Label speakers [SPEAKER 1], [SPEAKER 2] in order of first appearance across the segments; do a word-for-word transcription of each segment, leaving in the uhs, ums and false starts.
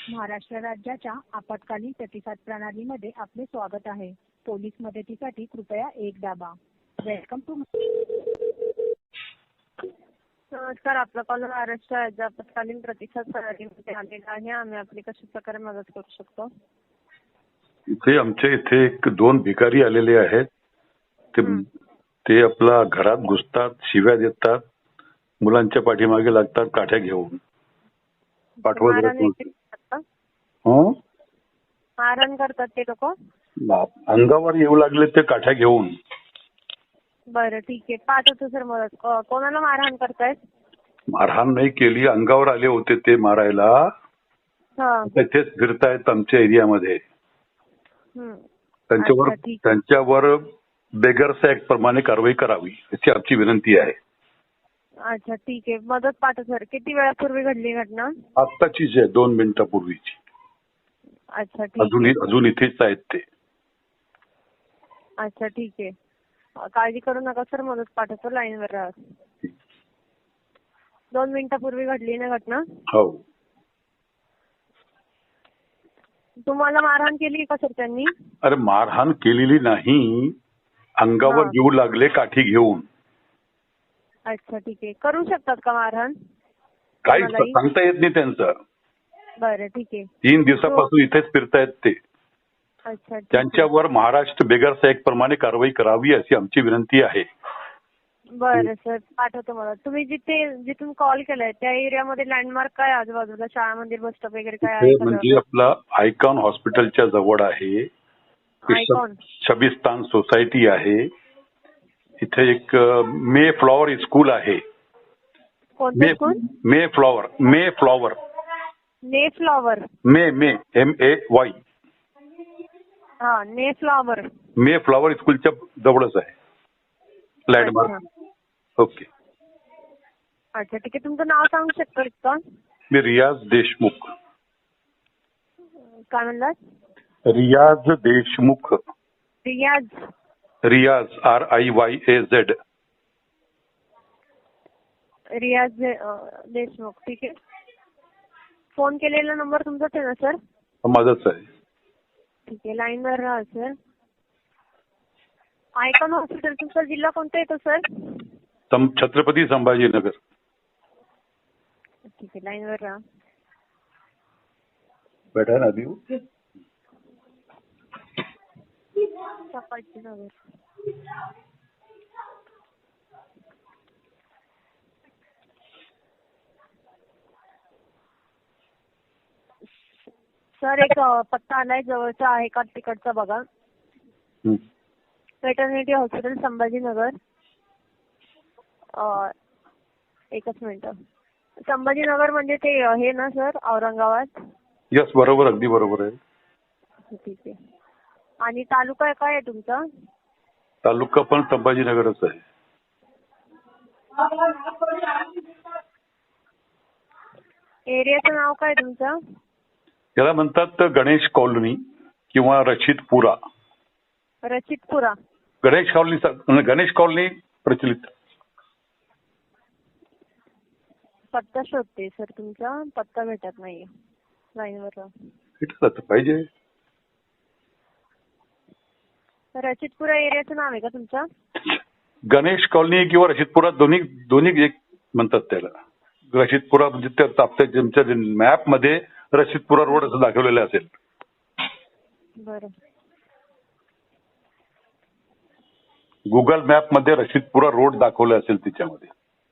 [SPEAKER 1] महाराष्ट्र राज्याच्या आपत्कालीन प्रतिसाद प्रणालीमध्ये आपले स्वागत आहे. पोलीस मदतीसाठी कृपया एक दाबा. Welcome to.
[SPEAKER 2] नमस्कार, आपला कॉल महाराष्ट्र राज्य आपत्कालीन प्रतिसाद प्रणालीमध्ये आलेला आहे. आम्ही आपली कशा प्रकारे मदत करू शकतो?
[SPEAKER 3] इथे आमच्या इथे एक दोन भिकारी आलेले आहेत. ते ते आपला घरात घुसतात, शिव्या देतात, मुलांच्या पाठीमागे लागतात काठ्या घेऊन. पाठवत
[SPEAKER 2] मारहाण
[SPEAKER 3] राहतात.
[SPEAKER 2] वगैरे करतात?
[SPEAKER 3] हं?
[SPEAKER 2] मारहाण करतात ते लोक?
[SPEAKER 3] अंगावर येऊ लागले ते काठ्या घेऊन.
[SPEAKER 2] बरं, ठीक आहे, पाठवतो सर मदत. को- कोणाला मारहाण करतायत?
[SPEAKER 3] मारहाण नाही केली, अंगावर आले होते ते मारायला.
[SPEAKER 2] हा.
[SPEAKER 3] तेच फिरतायत आमच्या एरियामध्ये.
[SPEAKER 2] हम्म.
[SPEAKER 3] त्यांच्यावर
[SPEAKER 2] अच्छा, ठीक आहे.
[SPEAKER 3] त्यांच्यावर बेगर्स ऍक्ट प्रमाणे कारवाई करावी अशी आमची विनंती आहे.
[SPEAKER 2] अच्छा, ठीक आहे, मदत पाठव सर. किती वेळापूर्वी घडली घटना?
[SPEAKER 3] आत्ताचीच आहे, दोन मिनिटापूर्वीची.
[SPEAKER 2] अच्छा, ठीक
[SPEAKER 3] अजून
[SPEAKER 2] आहे.
[SPEAKER 3] अजून इथेच आहेत ते.
[SPEAKER 2] अच्छा, ठीक आहे. काळजी करू नका सर, मदत पाठवतो. लाईनवर राहा. दोन मिनिटापूर्वी घडली ना घटना?
[SPEAKER 3] हो.
[SPEAKER 2] तुम्हाला मारहाण केली का सर त्यांनी?
[SPEAKER 3] अरे मारहाण केलेली नाही, अंगावर
[SPEAKER 2] हा.
[SPEAKER 3] येऊ लागले काठी घेऊन.
[SPEAKER 2] अच्छा, ठीक आहे. करू शकतात का मारहाण?
[SPEAKER 3] काहीच
[SPEAKER 2] कोणालाही?
[SPEAKER 3] सांगता येत नाही त्यांचं.
[SPEAKER 2] बरं, ठीक आहे.
[SPEAKER 3] तीन दिवसापासून इथेच फिरतायत ते.
[SPEAKER 2] अच्छा, ठीक आहे.
[SPEAKER 3] त्यांच्यावर महाराष्ट्र बेगर्स ऍक्ट प्रमाणे कारवाई करावी अशी आमची विनंती आहे.
[SPEAKER 2] बरं सर, पाठवतो मला. तुम्ही जिथे जिथून कॉल केलाय त्या एरियामध्ये लँडमार्क काय आहे आजूबाजूला? शाळा, मंदिर, बस स्टॉप वगैरे काय आहे
[SPEAKER 3] इथे
[SPEAKER 2] का?
[SPEAKER 3] म्हणजे आपला आयकॉन हॉस्पिटलच्या जवळ आहे.
[SPEAKER 2] आयकॉन?
[SPEAKER 3] शबिस्तान सोसायटी आहे. इथे एक मे फ्लॉवर स्कूल आहे.
[SPEAKER 2] कोणतं
[SPEAKER 3] May
[SPEAKER 2] school?
[SPEAKER 3] May flower May flower
[SPEAKER 2] ने flower.
[SPEAKER 3] May May M A Y
[SPEAKER 2] हा, ने फ्लॉवर.
[SPEAKER 3] मे फ्लॉवर स्कूलच्या जवळच आहे लँडमार्क. ओके.
[SPEAKER 2] अच्छा, ठीक आहे. तुमचं नाव सांगू शकता का?
[SPEAKER 3] मी रियाज देशमुख.
[SPEAKER 2] काय म्हणलात?
[SPEAKER 3] रियाज Deshmukh.
[SPEAKER 2] Riyaz?
[SPEAKER 3] Riyaz R I Y A Z.
[SPEAKER 2] Riyaz दे- अं, देशमुख, ठीक आहे. फोन केलेला नंबर तुमचाच आहे ना सर?
[SPEAKER 3] माझाच आहे.
[SPEAKER 2] ठीक आहे, लाईनवर राहा सर. आयकॉन हॉस्पिटल, तुमचा जिल्हा कोणता येतो सर?
[SPEAKER 3] सं- छत्रपती संभाजीनगर.
[SPEAKER 2] ठीक आहे, लाईनवर राहा.
[SPEAKER 3] बैठा ना अभी.
[SPEAKER 2] संभाजीनगर. सर, एक अं, पत्ता आलाय जवळचा आहे का तिकडचा बघा.
[SPEAKER 3] हं.
[SPEAKER 2] वेटर्निटी हॉस्पिटल संभाजीनगर. अं, एकच मिनिट. संभाजीनगर म्हणजे ते अं, हे ना सर, औरंगाबाद?
[SPEAKER 3] यस, बरोबर, अगदी बरोबर आहे.
[SPEAKER 2] ठीक आहे. आणि तालुका काय आहे तुमचा?
[SPEAKER 3] तालुका पण संभाजीनगरच आहे.
[SPEAKER 2] एरियाचं नाव काय तुमचं?
[SPEAKER 3] याला म्हणतात गणेश कॉलनी किंवा रशीदपुरा.
[SPEAKER 2] रचितपुरा.
[SPEAKER 3] गणेश कॉलनी गणेश कॉलनी प्रचलित.
[SPEAKER 2] पत्ता शोधते सर, तुमचा पत्ता भेटत नाहीये. लाईनवर राहा.
[SPEAKER 3] भेटत पाहिजे.
[SPEAKER 2] रचितपुरा एरियाचं नाव आहे का तुमचं?
[SPEAKER 3] गणेश कॉलनी किंवा रशीदपुरा दोन्ही दोन्ही एक म्हणतात त्याला. रशीदपुरा म्हणजे त्या तुमच्या मॅप मध्ये रशीदपुरा रोड असं दाखवलेलं असेल.
[SPEAKER 2] बरं.
[SPEAKER 3] गुगल मॅप मध्ये रशीदपुरा रोड दाखवले असेल तिच्यामध्ये.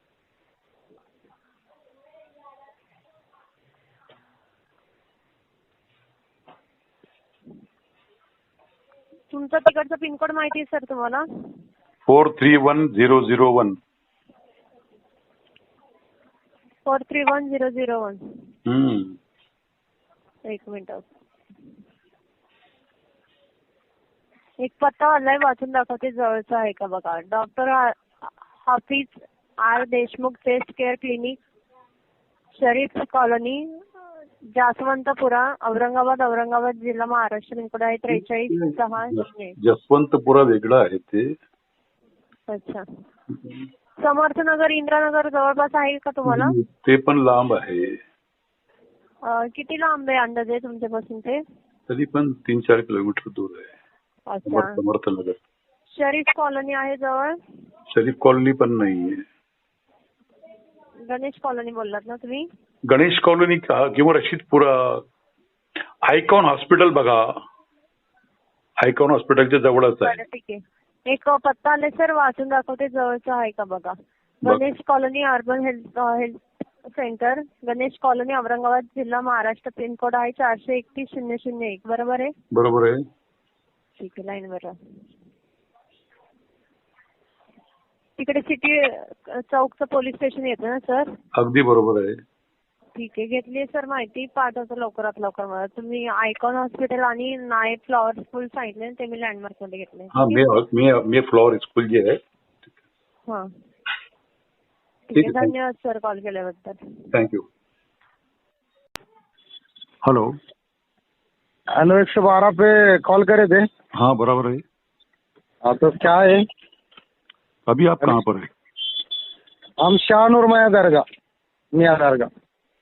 [SPEAKER 2] तुमचं तिकडचं पिनकोड माहिती आहे सर तुम्हाला?
[SPEAKER 3] Four three one zero zero one.
[SPEAKER 2] Four three one zero zero one. एक मिनिट. एक पत्ता आलाय, वाचून दाखवते जवळचा आहे का बघा. Doctor Hafiz R Deshmukh chest care clinic, Sharif colony, Jaswantpura, Aurangabad Aurangabad जिल्हा महाराष्ट्र. पिनकोड आहे त्रेचाळीस सहा शून्य.
[SPEAKER 3] जसवंतपुरा वेगळं आहे ते.
[SPEAKER 2] अच्छा. समर्थनगर इंद्रानगर जवळपास आहे का तुम्हाला?
[SPEAKER 3] ते पण लांब आहे.
[SPEAKER 2] अं, किती लांब आहे अंदाजे तुमच्यापासून ते?
[SPEAKER 3] तरी पण तीन चार किलोमीटर दूर आहे.
[SPEAKER 2] अच्छा.
[SPEAKER 3] समर्थनगर.
[SPEAKER 2] शरीफ कॉलनी आहे जवळ?
[SPEAKER 3] शरीफ कॉलनी पण नाहीये.
[SPEAKER 2] गणेश कॉलनी बोललात ना तुम्ही?
[SPEAKER 3] गणेश कॉलनी किंवा रशीदपुरा. आयकॉन हॉस्पिटल बघा. आयकॉन हॉस्पिटलच्या जवळच आहे.
[SPEAKER 2] बरं ठीक आहे. एक पत्ता आले सर, वाचून दाखवते जवळचं आहे का बघा.
[SPEAKER 3] बघ.
[SPEAKER 2] Ganesh colony urban health health centre, Ganesh colony, Aurangabad जिल्हा, महाराष्ट्र. पिनकोड आहे चारशे एकतीस शून्य शून्य एक. बरोबर आहे?
[SPEAKER 3] बरोबर आहे.
[SPEAKER 2] ठीक आहे, लाईन वर. तिकडे सिटी चौकचं पोलीस स्टेशन येतं ना सर?
[SPEAKER 3] अगदी बरोबर आहे.
[SPEAKER 2] ठीक आहे, घेतली सर माहिती. पाठवतो लवकरात लवकर मला. तुम्ही आयकॉन हॉस्पिटल आणि नाईट फ्लॉवर स्कूल सांगितले ते मी लँडमार्क मध्ये घेतले.
[SPEAKER 3] हा, मे मे मे फ्लॉवर स्कूल जे आहे.
[SPEAKER 2] हा ठीक आहे, धन्यवाद सर कॉल केल्याबद्दल.
[SPEAKER 3] थँक्यू. हेलो
[SPEAKER 4] हेलो, एक सौ बारह पे कॉल करे थे.
[SPEAKER 3] हाँ बराबर है.
[SPEAKER 4] हाँ तो क्या है?
[SPEAKER 3] अभी आप कहाँ पर है?
[SPEAKER 4] हम शाहनूर मियाँ दरगाह, मियाँ दरगाह.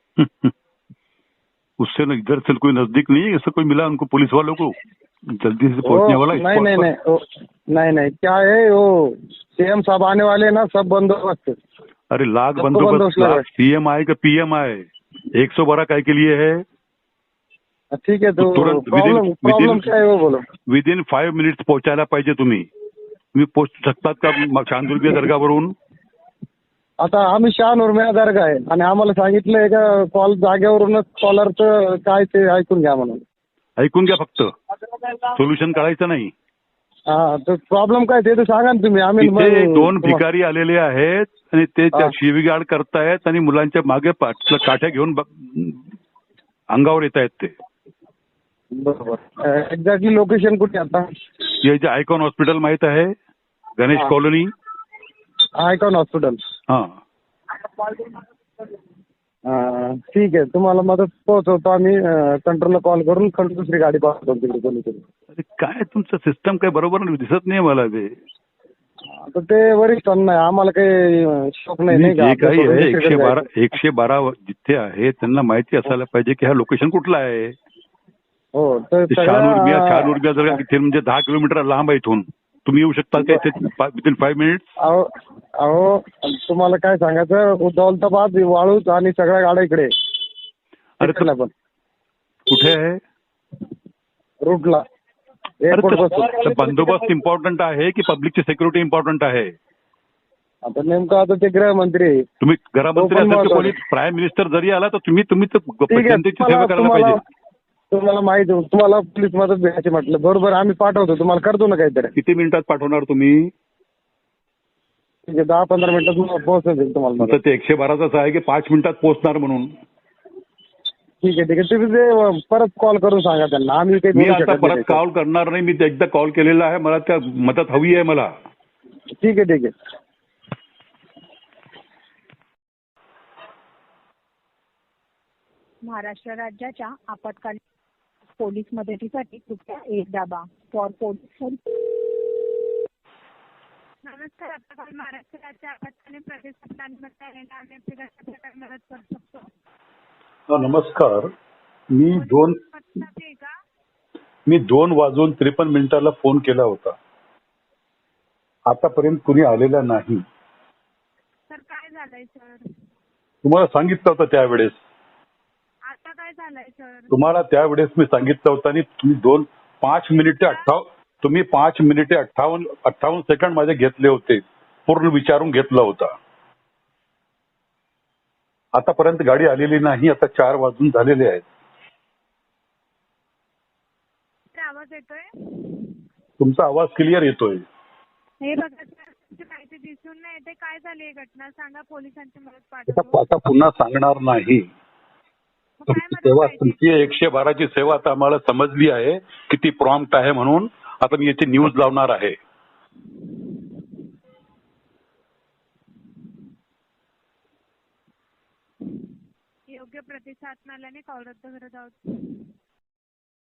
[SPEAKER 3] उससे न इधर से कोई नजदीक नहीं है? ऐसा कोई मिला उनको, पुलिस वालों को जल्दी से पहुंचने वाला?
[SPEAKER 4] नहीं नहीं नहीं ओ, नहीं नहीं क्या है वो, सीएम साहब आने वाले हैं ना, सब बंदोबस्त.
[SPEAKER 3] अरे लाख बंदोबस्त. लाख सीएम आए कि पीएम आए, एक सौ बारह काय के लिए है?
[SPEAKER 4] ठीक है, तो
[SPEAKER 3] तुरंत
[SPEAKER 4] प्रॉब्लम प्रॉब्लम क्या है वो बोलो.
[SPEAKER 3] विद इन फाईव्ह मिनिट्स पोहोचायला पाहिजे तुम्ही. तुम्ही पोहोचू शकतात का शांतुर्गी दर्गावरून?
[SPEAKER 4] आता आम्ही शहानूर मियाँ दरगाह आहे आणि आम्हाला सांगितलंय का कॉल जागेवरूनच कॉलरचं काय ते ऐकून घ्या म्हणून.
[SPEAKER 3] ऐकून घ्या फक्त, सोल्युशन काढायचं नाही.
[SPEAKER 4] हा, तर प्रॉब्लेम काय ते तर सांगा ना तुम्ही. आम्ही
[SPEAKER 3] इथे दोन भिकारी आलेले आहेत आणि ते त्या शिवीगाळ करतायत आणि मुलांच्या मागे पाठ- काठ्या घेऊन ब- अंगावर येत आहेत ते.
[SPEAKER 4] बरोबर. एक्झॅक्टली लोकेशन कुठे आता?
[SPEAKER 3] हे जे आयकॉन हॉस्पिटल माहित आहे, गणेश
[SPEAKER 4] हा.
[SPEAKER 3] कॉलनी.
[SPEAKER 4] Icon hospital.
[SPEAKER 3] हा
[SPEAKER 4] हा, ठीक आहे, तुम्हाला मदत पोहोचवतो आम्ही. कंट्रोलला कॉल करून कंट्रोल दुसरी गाडी पाठवतो तिकडे कोणीतरी.
[SPEAKER 3] अरे काय तुमचं सिस्टम काय बरोबर नाही, दिसत नाही मला ते.
[SPEAKER 4] आता ते वरिष्ठांना आहे, आम्हाला काही शोक नाही नाही
[SPEAKER 3] जे
[SPEAKER 4] का.
[SPEAKER 3] काही आहे
[SPEAKER 4] आपलं
[SPEAKER 3] एकशे बारा एकशे बारा जिथे आहे त्यांना माहिती असायला पाहिजे की हा लोकेशन कुठला आहे.
[SPEAKER 4] हो, तर
[SPEAKER 3] शहानूरगिया
[SPEAKER 4] सगळ्या-
[SPEAKER 3] शहानूरगिया जर इथे म्हणजे दहा किलोमीटर लांब आहे इथून. तुम्ही येऊ शकता का इथे विदिन फाईव्ह मिनिट्स?
[SPEAKER 4] अहो अहो तुम्हाला काय सांगायचं, दौलताबाद, वाळूज आणि सगळ्या गाड्या इकडे.
[SPEAKER 3] अरे तर
[SPEAKER 4] पण
[SPEAKER 3] कुठे आहे
[SPEAKER 4] रूटला
[SPEAKER 3] अरे
[SPEAKER 4] एअरपोर्ट
[SPEAKER 3] तर-
[SPEAKER 4] बसून.
[SPEAKER 3] तर बंदोबस्त इम्पॉर्टंट आहे की पब्लिकची सिक्युरिटी इम्पॉर्टंट आहे?
[SPEAKER 4] आता नेमकं आता ते गृहमंत्री.
[SPEAKER 3] तुम्ही गृहमंत्री
[SPEAKER 4] तो पण
[SPEAKER 3] असेल तर
[SPEAKER 4] महत्वाचा.
[SPEAKER 3] कोणी प्राईम मिनिस्टर जरी आला तर तुम्ही तुम्ही तर
[SPEAKER 4] ठीक आहे,
[SPEAKER 3] जनतेची सेवा
[SPEAKER 4] तुम्हाला
[SPEAKER 3] करायला
[SPEAKER 4] तुम्हाला
[SPEAKER 3] पाहिजे.
[SPEAKER 4] तुम्हाला माहिती, तुम्हाला पोलीस मदत भेटायची म्हटलं. बरोबर, आम्ही पाठवतो तुम्हाला, करतो ना काहीतरी.
[SPEAKER 3] किती मिनिटात पाठवणार तुम्ही?
[SPEAKER 4] ठीक आहे, दहा पंधरा मिनिटात तुम्हाला पोहोचेल तुम्हाला
[SPEAKER 3] तर
[SPEAKER 4] मदत.
[SPEAKER 3] ते एकशे बाराच आहे की पाच मिनिटात पोहोचणार म्हणून.
[SPEAKER 4] ठीक आहे ठीक आहे, तुम्ही ते परत कॉल करून सांगा त्यांना. आम्ही काही
[SPEAKER 3] मी
[SPEAKER 4] बोलू
[SPEAKER 3] आता
[SPEAKER 4] शकत
[SPEAKER 3] परत
[SPEAKER 4] नाही.
[SPEAKER 3] कॉल करणार नाही. मी ते एकदा कॉल केलेला आहे. मला त्या मदत हवी आहे मला.
[SPEAKER 4] ठीक आहे ठीक आहे.
[SPEAKER 1] महाराष्ट्र राज्याच्या आपत्कालीन पोलीस मदतीसाठी कृपया एक दाबा. For police help.
[SPEAKER 5] नमस्कार, आपत्कालीन महाराष्ट्र राज्य आपत्कालीन प्रतिसाद आहे. आम्ही आपली कशा प्रकारे मदत करू शकतो?
[SPEAKER 3] हा, नमस्कार. मी दोन
[SPEAKER 5] पत्ता आहे का?
[SPEAKER 3] मी दोन वाजून त्रेपन्न मिनिटाला फोन केला होता. आतापर्यंत कुणी आलेला नाही.
[SPEAKER 5] सर काय झालंय सर?
[SPEAKER 3] तुम्हाला सांगितलं होतं त्यावेळेस.
[SPEAKER 5] आता काय झालंय सर?
[SPEAKER 3] तुम्हाला त्यावेळेस मी सांगितलं होतं आणि तुम्ही दोन पाच मिनिटे अठ्ठावन्न तुम्ही पाच मिनिटे अठ्ठावन्न अठ्ठावन्न सेकंड माझे घेतले होते. पूर्ण विचारून घेतला होता. आतापर्यंत गाडी आलेली नाही. आता चार वाजून झालेले आहेत.
[SPEAKER 5] आवाज येतोय?
[SPEAKER 3] तुमचा आवाज क्लिअर येतोय.
[SPEAKER 5] हे बघा सर, तुमची माहिती दिसून नाही येते. काय झाली ही घटना सांगा, पोलिसांची मदत
[SPEAKER 3] आता
[SPEAKER 5] पाठवतो.
[SPEAKER 3] आता पुन्हा सांगणार नाही.
[SPEAKER 5] मग काय
[SPEAKER 3] तुमची
[SPEAKER 5] मदत
[SPEAKER 3] सेवा,
[SPEAKER 5] पाहिजे?
[SPEAKER 3] तुमची एकशे बाराची सेवा आता आम्हाला समजली आहे किती प्रॉम्प्ट आहे म्हणून. आता मी इथे न्यूज लावणार आहे.
[SPEAKER 5] योग्य प्रतिसाद मिळाल्याने कॉल रद्द करत आहोत.